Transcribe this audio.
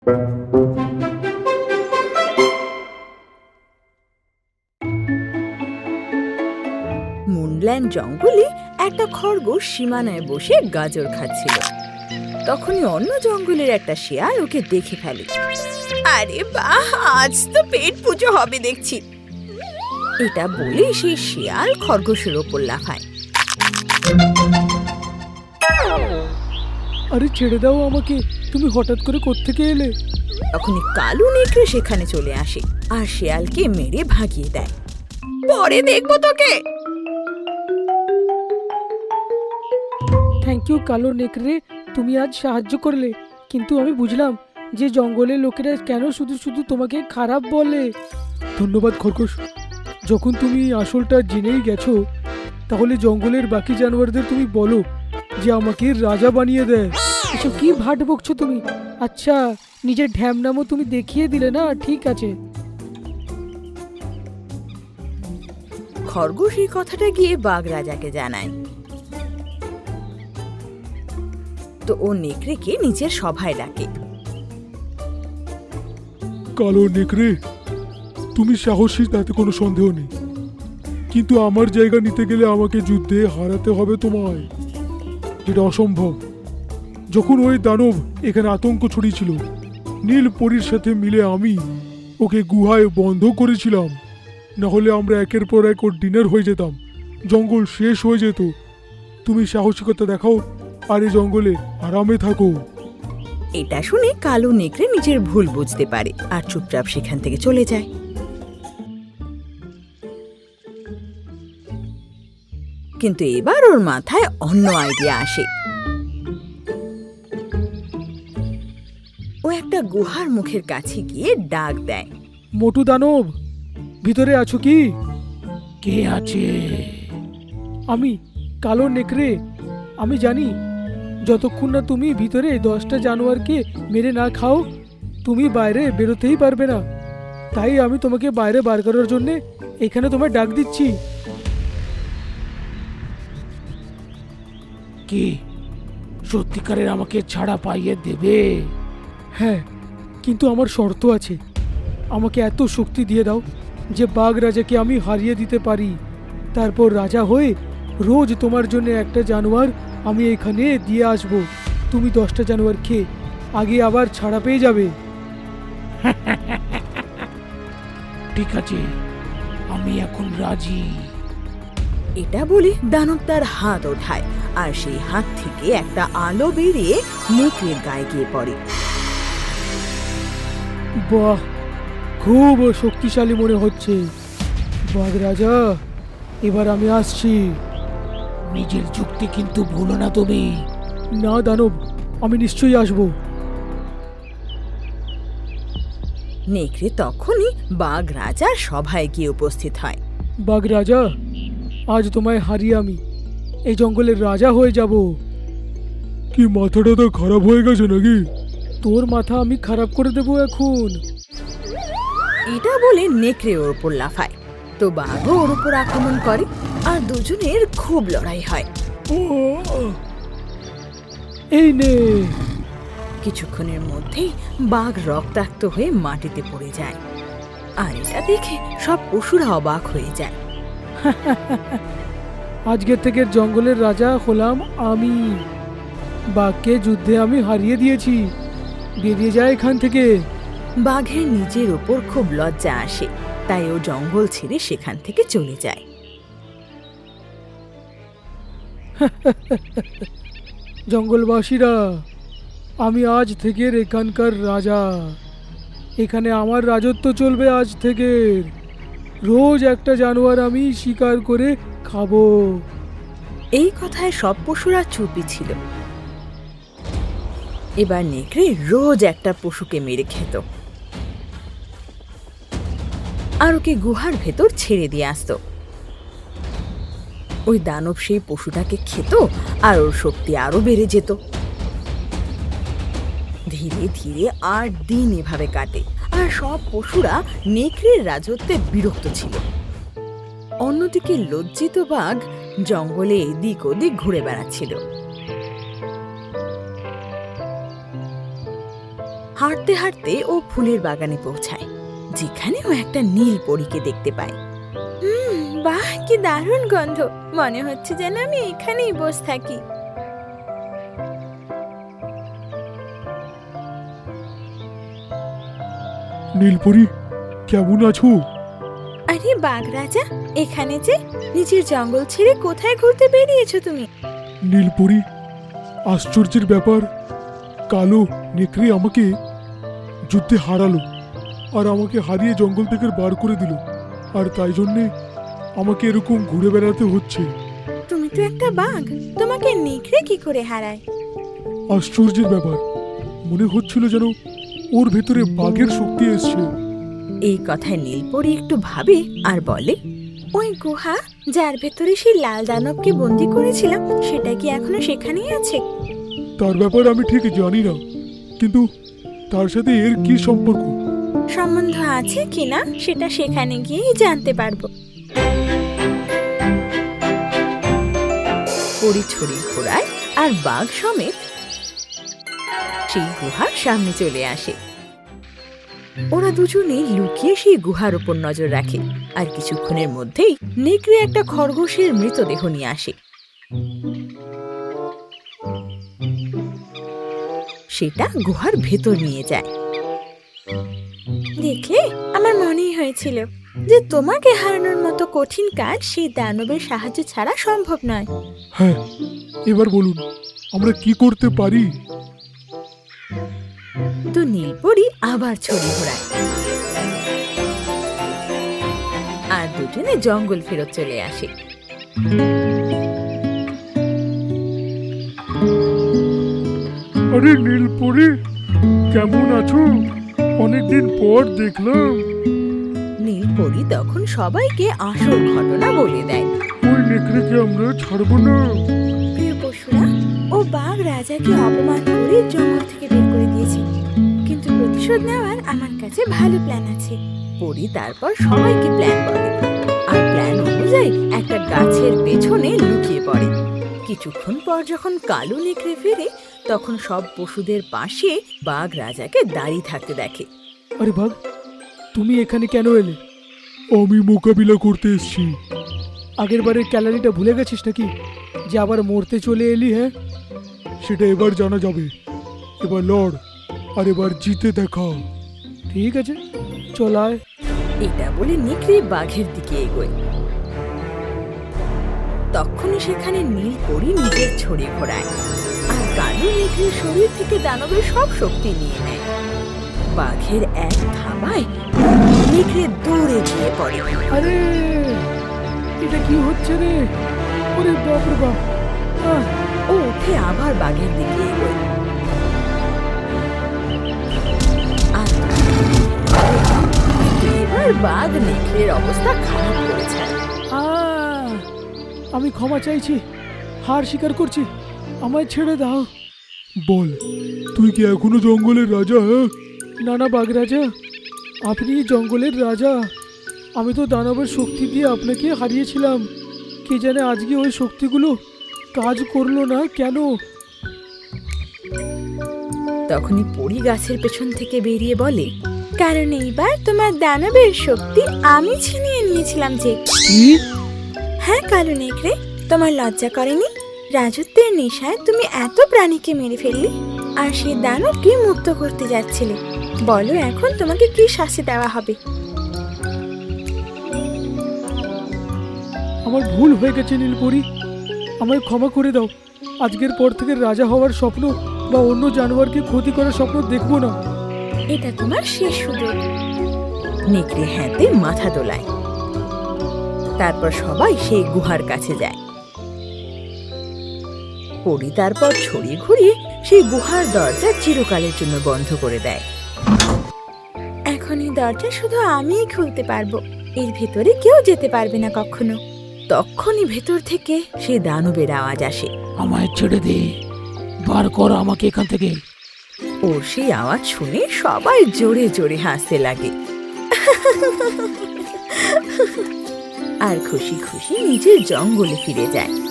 Moonland জঙ্গলে একটা খরগোশ সীমানায় বসে গাজর খাচ্ছিল। তখনই অন্য জঙ্গলের একটা শিয়াল ওকে দেখে ফেলে। আরে বাহ, আজ তো পেট পুজো হবে দেখছি। এটা বলে সেই শিয়াল খরগোশের ওপর লাফায়। আরে ছেড়ে দাও আমাকে, তুমি হঠাৎ করে কোত্থেকে এলে? তখনই কালো নেকড়ে সেখানে চলে আসে আর শিয়ালকে মেরে ভাগিয়ে দেয়। পরে দেখবো তোকে। থ্যাংক ইউ কালো নেকড়ে, তুমি আজ সাহায্য করলে, কিন্তু আমি বুঝলাম যে জঙ্গলের লোকেরা কেন শুধু শুধু তোমাকে খারাপ বলে। ধন্যবাদ খরগোশ, যখন তুমি আসলটা জেনেই গেছো তাহলে জঙ্গলের বাকি জানোয়ারদের তুমি বলো যে আমাকে রাজা বানিয়ে দেয়। এসব কি ভাট বকছো তুমি? আচ্ছা, নিজের ঢ্যামনামও তুমি দেখিয়ে দিলে না, ঠিক আছে। খরগোশ এই কথাটা গিয়ে বাঘ রাজাকে জানায়। তো ও নেকড়েকে নিজের সভায় ডাকে। কালো নেকড়ে, তুমি সাহসী, তাতে কোনো সন্দেহ নেই, কিন্তু আমার জায়গা নিতে গেলে আমাকে যুদ্ধে হারাতে হবে তোমায়, যেটা অসম্ভব। যখন ওই দানব এখানে আতঙ্ক ছড়িয়েছিল, নীল পরীর সাথে মিলে আমি ওকে গুহায় বন্ধ করেছিলাম, না হলে আমরা একের পর এক ওর ডিনার হয়ে যেতাম, জঙ্গল শেষ হয়ে যেত। তুমি সাহসিকতা দেখাও আর এই জঙ্গলে আরামে থাকো। এটা শুনে কালো নেকড়ে নিজের ভুল বুঝতে পারে আর চুপচাপ সেখান থেকে চলে যায়। কিন্তু এবার ওর মাথায় অন্য আইডিয়া আসে। ও একটা গুহার মুখের কাছে গিয়ে ডাক দেয়। মোটু দানব, ভিতরে আছো কি? কে আছে? আমি কালো নেকড়ে। আমি জানি যতক্ষণ না তুমি ভিতরে 10টা জানোয়ারকে মেরে না খাও তুমি বাইরে বেরোতেই পারবে না, তাই আমি তোমাকে বাইরে বার করার জন্য এখানে তোমায় ডাক দিচ্ছি। কি সত্যিকারের আমাকে ছাড়া পাইয়ে দেবে? হ্যাঁ, কিন্তু আমার শর্ত আছে। আমাকে এত শক্তি দিয়ে দাও যে বাঘ রাজাকে আমি হারিয়ে দিতে পারি। তারপর রাজা হয়ে রোজ তোমার জন্য একটা জানোয়ার আমি এখানে দিয়ে আসব। তুমি 10টা জানোয়ার খেয়ে আগে আবার ছাড়া পেয়ে যাবে। ঠিক আছে, আমি এখন রাজি। এটা বলে দানব তার হাত ওঠায় আর সেই হাত থেকে একটা আলো বেরিয়ে নেকড়ের গায়ে গিয়ে পড়ে। বাহ, খুব শক্তিশালী মনে হচ্ছে। বাঘ রাজা, এবার আমি আসছি। নিজের যুক্তি কিন্তু ভুলো না তুমি। না দানব, আমি নিশ্চয়ই আসব। নেকড়ে তখনই বাঘ রাজার সভায় গিয়ে উপস্থিত হয়। বাঘ রাজা, আজ তোমায় হারিয়ে আমি এই জঙ্গলের রাজা হয়ে যাব। কি মাথাটা তো খারাপ হয়ে গেছে নাকি? তোর মাথা আমি খারাপ করে দেবো এখন। এটা বলে নেকড়ে ওর উপর লাফায়। তো বাঘও ওর উপর আক্রমণ করে আর দুজনের খুব লড়াই হয়। এই নে। কিছুক্ষণের মধ্যেই বাঘ রক্তাক্ত হয়ে মাটিতে পড়ে যায় আর এটা দেখে সব পশুরা অবাক হয়ে যায়। আজকের থেকে জঙ্গলের রাজা হলাম আমি। বাঘকে যুদ্ধে আমি হারিয়ে দিয়েছি। বেরিয়ে যায় এখান থেকে। বাঘের নিজের ওপর খুব লজ্জা আসে, তাই ও জঙ্গল ছেড়ে সেখান থেকে চলে যায়। জঙ্গলবাসীরা, আমি আজ থেকে এখানকার রাজা। এখানে আমার রাজত্ব চলবে আজ থেকে। রোজ একটা জানোয়ার আমি শিকার করে খাবো। এই কথায় সব পশুরা চুপই ছিল। এবার নেকড়ে রোজ একটা পশুকে মেরে খেত আর ওকে গুহার ভেতর ছেড়ে দিয়ে আসতো। ওই দানব সেই পশুটাকে খেত আর ওর শক্তি আরো বেড়ে যেত। ধীরে ধীরে 8 দিন এভাবে কাটে আর সব পশুরা নেকড়ের রাজত্বে বিরক্ত ছিল। অন্যদিকে লজ্জিত বাঘ জঙ্গলে এদিক ওদিক ঘুরে বেড়াচ্ছিল। হাঁটতে হাঁটতে ও ফুলের বাগানে পৌঁছায়, যেখানে ও একটা নীল পরীকে দেখতে পায়। বাহ, কি দারুণ গন্ধ! মনে হচ্ছে যেন আমি এখানেই বসে থাকি। নীলপরি, কেমন আছো? আরে বাঘ রাজা, এখানে যে! নিজের জঙ্গল ছেড়ে কোথায় ঘুরতে বেরিয়েছো তুমি? নীলপরি, আশ্চর্যের ব্যাপার, কালো নেকড়ে আমাকে যুদ্ধে হারালো আর আমাকে হারিয়ে জঙ্গল থেকে বার করে দিল, আর তাই জন্যে আমাকে এরকম ঘুরে বেড়াতে হচ্ছে। তুমি তো একটা বাঘ, তোমাকে নেকড়ে কি করে হারায়? আশ্চর্যের ব্যাপার, মনে হচ্ছিল যেন ওর ভেতরে বাঘের শক্তি এসছে। এই কথায় নীলপরি একটু ভাবে আর বলে, ওই গুহা যার ভেতরে সেই লাল দানবকে বন্দি করেছিলাম, সেটা কি এখনো সেখানেই আছে? তার ব্যাপারে আমি ঠিক জানি না, কিন্তু তার সাথে এর কি সম্পর্ক? সম্বন্ধ আছে কিনা সেটা সেখানে গিয়েই জানতে পারবো। পরি ছড়ি ঘোড়ায় আর বাঘ সমেত সেই গুহার সামনে চলে আসে। ওরা দুজনে লুকিয়ে সেই গুহার উপর নজর রাখে, আর কিছুক্ষণের মধ্যেই নেকড়ে একটা খরগোশের মৃতদেহ নিয়ে আসে। সেটা গুহার ভেতর নিয়ে যায়। দেখলে, আমার মনেই হয়েছিল যে তোমাকে হারানোর মতো কঠিন কাজ সেই দানবের সাহায্য ছাড়া সম্ভব নয়। হ্যাঁ, এবার বলুন আমরা কি করতে পারি? তো নীলপরি আবার ছড়ি ঘোরায়, আর দুজনে জঙ্গল ফেরত চলে আসে। আরে নীলপরি, কেমন আছো? অনেকদিন পর দেখলাম। নীলপরি তখন সবাইকে আসল ঘটনা বলে দেয়। ওই নেকড়েকে আমরা ছাড়বো না। প্রিয় পশুরা, ও বাঘ রাজাকে অপমান করে জঙ্গল থেকে বের করে দিয়েছে, কিন্তু প্রতিশোধ নেওয়ার আমার কাছে ভালো প্ল্যান আছে। পরি তারপর সবাইকে প্ল্যান বলে, আর প্ল্যান অনুযায়ী একটা গাছের পেছনে লুকিয়ে পড়ে। কিছুক্ষণ পর যখন কালো নেকড়ে ফেরে, তখন সব পশুদের পাশে বাঘ রাজাকে দাঁড়িয়ে থাকতে দেখে। আরে বাঘ, তুমি এখানে কেন এলে? আমি মোকাবিলা করতে এসেছি। আগের বারের ক্যালারিটা ভুলে গেছিস নাকি, যে আবার মরতে চলে এলি? হ্যাঁ, সেটা এবার জানা যাবে। এবার লড়, আর এবার জিতে দেখা। ঠিক আছে, চল আয়। এটা বলে নেকড়ে বাঘের দিকে এগোয়। তখনই সেখানে নীলপরি নিজের ছড়ি ঘোরায়, আর কালো নেকড়ের শরীর থেকে দানবের সব শক্তি নিয়ে নেয়। বাঘের এক থাবায় নেকড়ে দৌড়ে গিয়ে পড়ে। আরে, এটা কি হচ্ছে রে? ওরে বাপ রে বাপ! ও উঠে আবার বাঘের দিকে এগোয়, আর এবার বাঘ নেকড়ের অবস্থা খারাপ করেছে। আমি ক্ষমা চাইছি, হার স্বীকার করছি, আমায় ছেড়ে দাও। বল, তুই কি এখনো জঙ্গলের রাজা? হ্যাঁ, না না বাঘ রাজা, আপনি জঙ্গলের রাজা। আমি তো দানবের শক্তি দিয়ে আপনাকে হারিয়েছিলাম। কে জানে আজকে ওই শক্তিগুলো কাজ করলো না কেন? তখনই পরি গাছের পেছন থেকে বেরিয়ে বলে, কারণ এইবার তোমার দানবের শক্তি আমি ছিনিয়ে নিয়েছিলাম। যে কি? হ্যাঁ কালো নেকড়ে, তোমার লজ্জা করেনি? রাজত্বের নেশায় তুমি এত প্রাণীকে মেরে ফেললে, আর সেই দানবকে মুক্ত করতে যাচ্ছিলে। বলো এখন তোমাকে কি শাস্তি দেওয়া হবে? আমার ভুল হয়ে গেছে নীলপরি, আমায় ক্ষমা করে দাও। আজকের পর থেকে রাজা হওয়ার স্বপ্ন বা অন্য জানোয়ারকে ক্ষতি করার স্বপ্ন দেখবো না। এটা তোমার শেষ সুযোগ। নেকড়ে হ্যাঁতে মাথা দোলায়। তারপর সবাই সেই গুহার কাছে যায়। পরি তারপর ছড়িয়ে ঘুরিয়ে সেই গুহার দরজা চিরকালের জন্য বন্ধ করে দেয়। এখন এই দরজা শুধু আমিই খুলতে পারবো, এর ভেতরে কেউ যেতে পারবে না কখনো। তখনই ভেতর থেকে সেই দানবের আওয়াজ আসে, আমায় ছেড়ে দে, বার কর আমাকে এখান থেকে। ওর সেই আওয়াজ শুনে সবাই জোরে জোরে হাসতে লাগে, আর খুশি খুশি নিজের জঙ্গলে ফিরে যায়।